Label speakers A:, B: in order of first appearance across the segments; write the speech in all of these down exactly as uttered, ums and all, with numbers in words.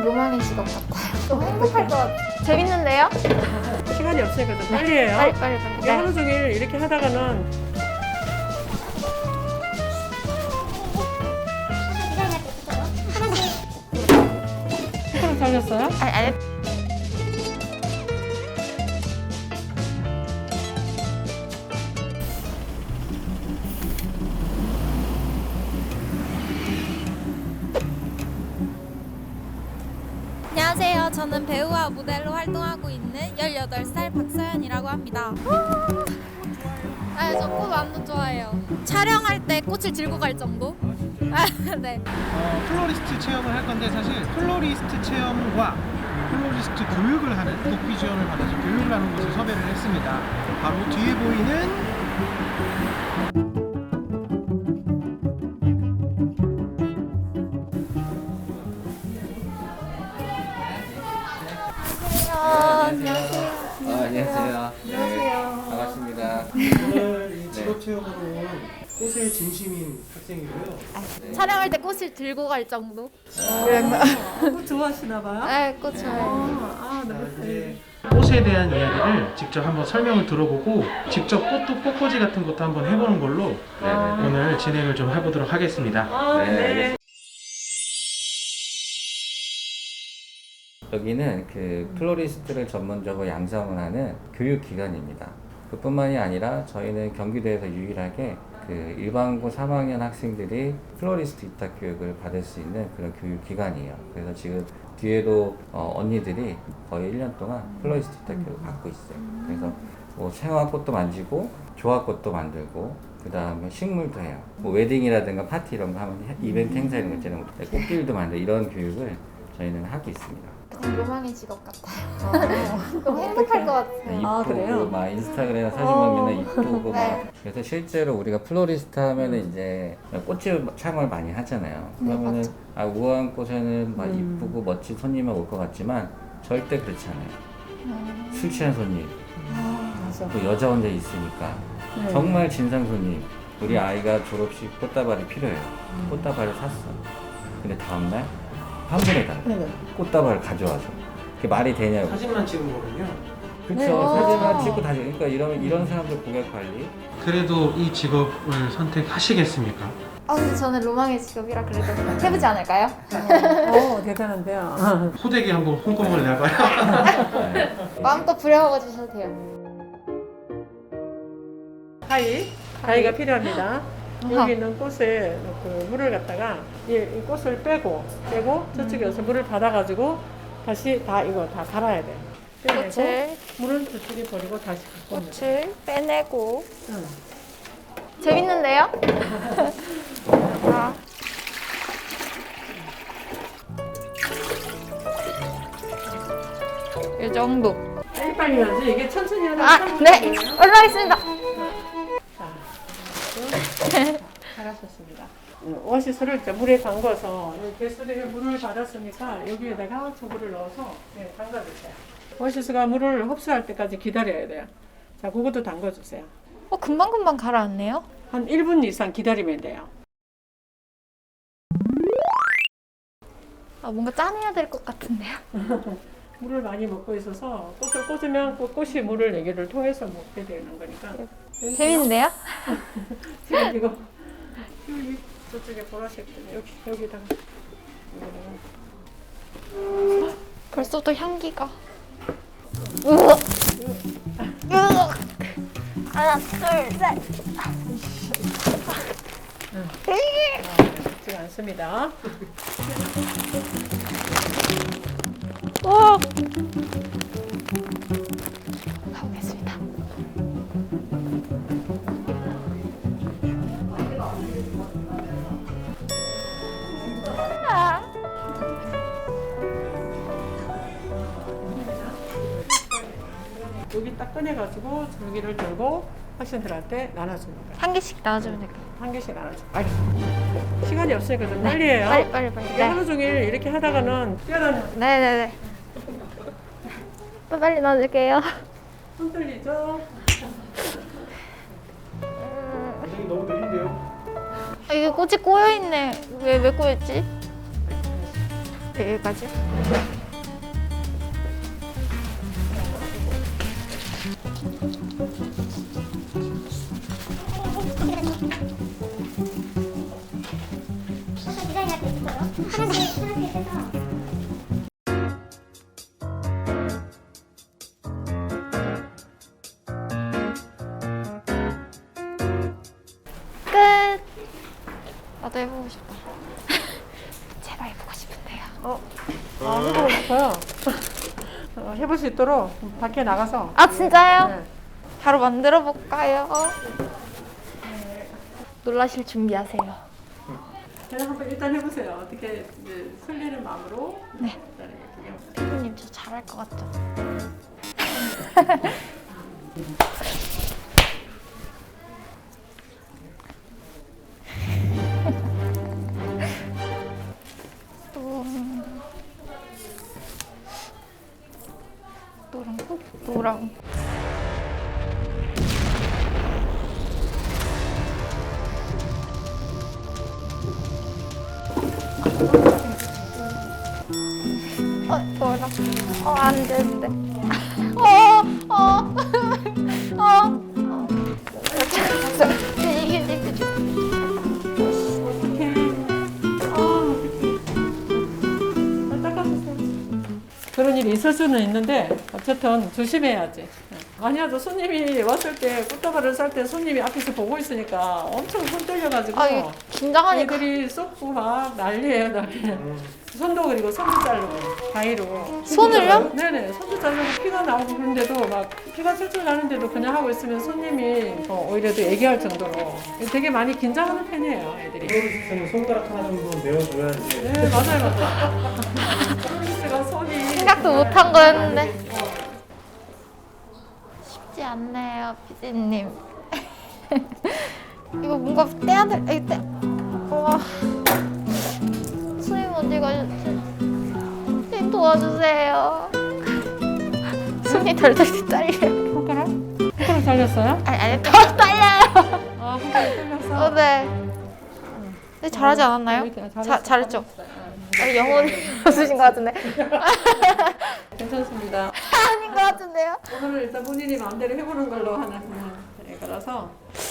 A: 저는 로망의 직업 같아요. 너무 행복할 것 같아요. 재밌는데요?
B: 시간이 없으니까 좀 빨리 해요.
A: 빨리 빨리 빨리.
B: 이게 하루 종일 이렇게 하다가는 손가락 잘렸어요?
A: 아니 아니.
C: 안녕하세요. 저는 배우와 모델로 활동하고 있는 열여덟 살 박서연이라고 합니다. 아, 저 꽃 완전 좋아해요. 촬영할 때 꽃을 들고 갈 정도? 아, 네.
D: 어, 플로리스트 체험을 할 건데 사실 플로리스트 체험과 플로리스트 교육을 하는 국비 지원을 받아서 교육을 하는 곳을 섭외를 했습니다. 바로 뒤에 보이는
A: 안녕하세요.
E: 아, 안녕하세요. 네, 반갑습니다.
D: 오늘 이 직업 체험으로 온 꽃에 진심인 학생이고요.
C: 촬영할 때 꽃을 들고 갈 정도?
B: 꽃 좋아하시나 봐요?
C: 네, 꽃 좋아해요.
B: 아,
D: 자,
B: 너무
D: 이제 꽃에 대한 이야기를 직접 한번 설명을 들어보고 직접 꽃도 꽃꽂이 같은 것도 한번 해보는 걸로
E: 네네.
D: 오늘 진행을 좀 해보도록 하겠습니다.
B: 아,
E: 네,
B: 네.
E: 알겠습니다. 여기는 그 플로리스트를 전문적으로 양성을 하는 교육기관입니다. 그뿐만이 아니라 저희는 경기도에서 유일하게 그 일반고 삼 학년 학생들이 플로리스트 입학 교육을 받을 수 있는 그런 교육기관이에요. 그래서 지금 뒤에도 어, 언니들이 거의 일 년 동안 플로리스트 입학 교육을 받고 있어요. 그래서 뭐 생화꽃도 만지고 조화꽃도 만들고 그 다음에 식물도 해요. 뭐 웨딩이라든가 파티 이런 거 하면 이벤트 행사 이런 거 있잖아요. 꽃길도 만들고 이런 교육을 저희는 하고 있습니다.
A: 저는 로망의 직업 같아요. 너무 행복할 것 같아요.
B: 아,
E: 이쁘고
B: 그래요?
E: 막 인스타그램 사진
B: 어.
E: 막 맨날 이쁘고
A: 네.
E: 막 그래서 실제로 우리가 플로리스트 하면은 이제 꽃을 촬영을 많이 하잖아요. 그러면은
A: 맞죠.
E: 아 우아한 꽃에는 막
B: 음.
E: 이쁘고 멋진 손님만 올 것 같지만 절대 그렇지 않아요.
A: 음.
E: 술 취한 손님,
B: 맞아.
E: 또 여자 혼자 있으니까
B: 네.
E: 정말 진상 손님. 우리 아이가 졸업식 꽃다발이 필요해요.
B: 음.
E: 꽃다발을 샀어. 근데 다음날 환불해달라.
B: 네네.
E: 꽃다발을 가져와서. 그게 말이 되냐고.
D: 사진만 찍은 거군요.
E: 그쵸.
B: 네.
E: 사진만
B: 아.
E: 찍고 다시. 그러니까 이런, 이런 사람들 고객 관리.
D: 그래도 이 직업을 선택하시겠습니까?
A: 아 근데 저는 로망의 직업이라 그래도 해보지 않을까요?
B: 오, 대단한데요.
D: 호되게 한번 홍콩을 내봐요.
E: 네.
A: 마음껏 부려먹어 주셔도 돼요.
B: 가위, 가위가 필요합니다.
A: 아하.
B: 여기 있는 꽃에 그 물을 갖다가 이, 이 꽃을 빼고 빼고 저쪽에 와서 물을 받아가지고 다시 다 이거 다 갈아야 돼. 빼내고
A: 꽃을
B: 물은 저쪽에 버리고 다시 갖고 오면 돼.
A: 꽃을 빼내고
B: 응.
A: 재밌는데요? 아. 이 정도.
B: 빨리 빨리 해야지. 이게 천천히 하는
A: 아, 네. 올라가겠습니다.
B: 잘하셨습니다. 오아시스를 이제 물에 담궈서 개수리에 물을 받았으니까 여기에다가 저거를 넣어서 네, 담가주세요. 오아시스가 물을 흡수할 때까지 기다려야 돼요. 자, 그것도 담가주세요.
A: 어 금방금방 가라앉네요.
B: 한 일 분 이상 기다리면 돼요.
A: 아 뭔가 짜내야 될 것 같은데요.
B: 물을 많이 먹고 있어서 꽃을 꽂으면 꽃- 꽃이 물을 내기를 통해서 먹게 되는 거니까.
A: 재밌는데요?
B: 지금 이거 여기 저쪽에 보라색 여기 여기다가 여기다가
A: 벌써부터 향기가. 으악. 으악. 하나 둘 셋.
B: 쉽지 않습니다.
A: 오. 가보겠습니다. 아.
B: 여기 딱 꺼내가지고 줄기를 들고 학생들한테 나눠주는 거예요.
A: 한 개씩 나와주면 될까요?
B: 한 개씩 나눠줘. 알겠습니다. 시간이 없으니까 좀 빨리 해요.
A: 빨리 빨리 빨리.
B: 이게
A: 네.
B: 하루 종일 이렇게 하다가는 뛰어다녀.
A: 네네네. 빨리 넣어줄게요.
B: 손 떨리죠?
D: 선생님 너무 느린데요?
A: 아, 이게 꽃이 꼬여있네. 왜, 왜 꼬였지?
C: 여기까지. 끝. 나도 해보고 싶다. 제가 해보고 싶은데요.
B: 어, 아, 해보고 싶어요. 어, 해볼 수 있도록 밖에 나가서.
C: 아 진짜요?
B: 네.
C: 바로 만들어 볼까요? 놀라실 준비하세요.
B: 그냥 한번 일단 해보세요. 어떻게 이제 설레는 마음으로.
C: 네.
B: 일단 이렇게 해보세요.
C: 피디님 저 잘할 것 같죠? 노랑 노랑 어 노랑 어안 되는데 어어어어 이게 이게
B: 그런 일이 있을 수는 있는데 어쨌든 조심해야지. 만약에 손님이 왔을 때 꽃다발을 쌀 때 손님이 앞에서 보고 있으니까 엄청 손 떨려가지고
C: 아 이게 긴장하니까
B: 애들이 쏟고 막 난리예요 난리. 손도 그리고 손도 자르고 가위로.
C: 손을요?
B: 네네 손도 자르고 피가 나오고 그런데도 막 피가 철철 나는데도 그냥 하고 있으면 손님이 어, 오히려 더 얘기할 정도로 되게 많이 긴장하는 편이에요 애들이.
D: 플로리스트는 손가락 하나 정도 내어줘야지.
B: 네 맞아요 맞아요. 플로리스트가 손이
C: 생각도 못한 거였는데 쉽지 않네요 피디님. 이거 뭔가 떼야 될 이거 떼 와. 손님 어디 가셨지? 선생님 도와주세요. 손이 덜덜 떨려요.
B: 손가락? 손가락 잘렸어요?
C: 아니 아니 더 떨려요.
B: 아 손가락 잘렸어?
C: 어, 네. 네 잘하지 않았나요?
B: 잘했어,
C: 자, 잘했죠?
B: 잘했어요.
C: 아니 영혼이 없으신 것 같은데.
B: 괜찮습니다.
C: 아닌 것 같은데요?
B: 오늘은 일단 본인이 마음대로 해보는 걸로 하는 네, 그래서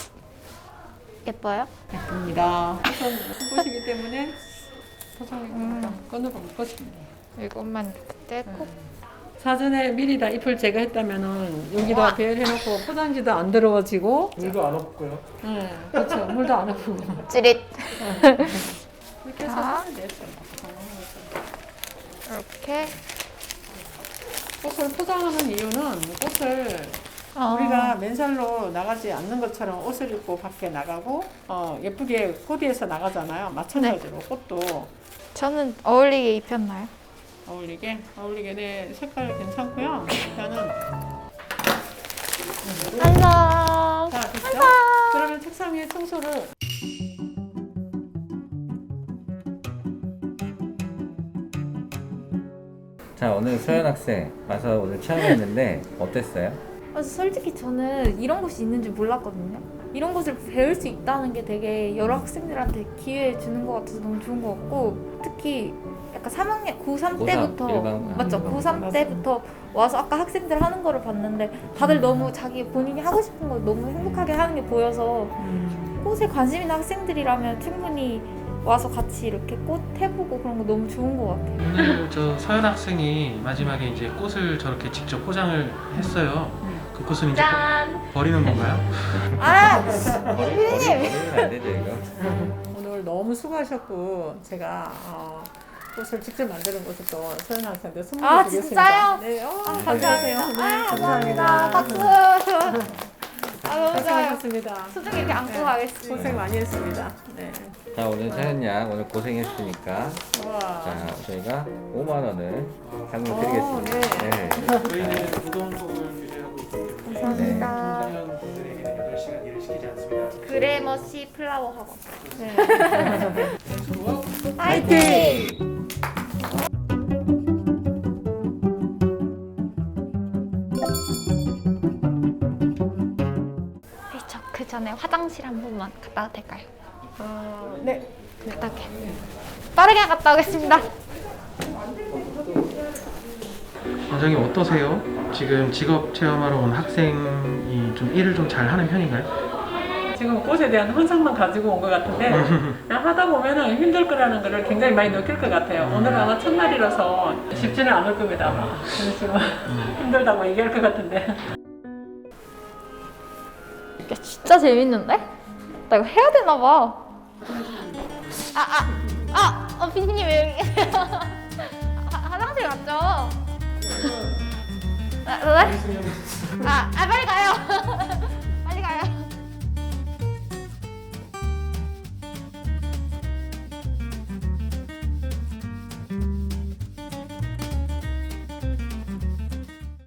C: 예뻐요?
B: 예쁩니다. 우선 꽃이기 때문에 포장이 음. 끈으로 묶어줍니다.
C: 이것만 떼고.
B: 사전에 미리 다 잎을 제거했다면은 여기다
C: 우와.
B: 배열해놓고 포장지도 안 더러워지고,
D: 물도 안 없고요.
B: 네, 그렇죠. 물도 안 아프고
C: 찌릿.
B: 이렇게 해서
C: 자.
B: 하면 되죠.
C: 이렇게.
B: 꽃을 포장하는 이유는 꽃을
C: 어.
B: 우리가 맨살로 나가지 않는 것처럼 옷을 입고 밖에 나가고 어, 예쁘게 코디해서 나가잖아요. 마찬가지로
C: 네.
B: 꽃도
C: 저는 어울리게 입혔나요?
B: 어울리게 어울리게 네 색깔 괜찮고요. 일단은
C: 안녕.
B: 자 됐죠? 그러면 책상 위에 청소를
E: 자, 오늘 소연 학생 와서 오늘 체험했는데 어땠어요?
C: 아, 솔직히 저는 이런 곳이 있는 줄 몰랐거든요. 이런 곳을 배울 수 있다는 게 되게 여러 학생들한테 기회 주는 것 같아서 너무 좋은 것 같고, 특히 약간 삼 학년 고삼
E: 고삼,
C: 때부터
E: 일반,
C: 맞죠?
E: 일반.
C: 고삼
B: 맞아요.
C: 때부터 와서 아까 학생들 하는 거를 봤는데 다들 너무 자기 본인이 하고 싶은 걸 너무 행복하게 하는 게 보여서 꽃에 관심 있는 학생들이라면 충분히 와서 같이 이렇게 꽃 해보고 그런 거 너무 좋은 것 같아요.
D: 오늘 저 서연 학생이 마지막에 이제 꽃을 저렇게 직접 포장을 했어요. 그 꽃은 이제
C: 짠!
D: 버, 버리는 건가요?
C: 아!
E: 버리, 버리, 버리면 안 되죠 이거.
B: 오늘 너무 수고하셨고 제가 어, 꽃을 직접 만드는 것을 또 소연 학생한테 선물을
C: 아,
B: 드리겠습니다.
C: 진짜요?
B: 네, 어,
C: 아,
B: 감사하세요.
C: 감사합니다.
B: 네,
C: 아, 감사합니다. 박수! 아, 너무 좋아요.
B: 고생하셨습니다.
C: 소중히 이렇게 안고
B: 네,
C: 가겠습니다.
B: 고생 많이 했습니다. 네.
E: 자, 오늘 서연 양 오늘 고생했으니까
B: 와.
E: 자, 저희가 오만 원을 상금
B: 오,
E: 드리겠습니다.
B: 네.
D: 저희는 무거운 속을 규제하고 있기 때문에
C: 감사합니다.
D: 김서연 분들에게는 여덟 시간 일을 시키지 않습니다.
C: 그레머시 플라워 학원.
B: 네.
C: 화이팅! 저 그 전에 화장실 한 번만 갔다 와도 될까요?
B: 어, 네.
C: 갔다 올게요. 빠르게 갔다 오겠습니다.
D: 원장님 어떠세요? 지금 직업 체험하러 온 학생이 좀 일을 좀 잘하는 편인가요?
B: 지금 꽃에 대한 환상만 가지고 온 것 같은데 그냥 하다 보면은 힘들 거라는 거를 굉장히 많이 느낄 것 같아요. 오늘은 아마 첫날이라서 쉽지는 않을 겁니다. 아마. 그래서 지금 힘들다고 얘기할 것 같은데.
A: 이게 진짜 재밌는데? 나 이거 해야 되나 봐. 아, 아, 아, 어, 피디님 왜 여기 계세요? 아, 화장실 갔죠? 아, 네? 아, 아, 빨리 가요.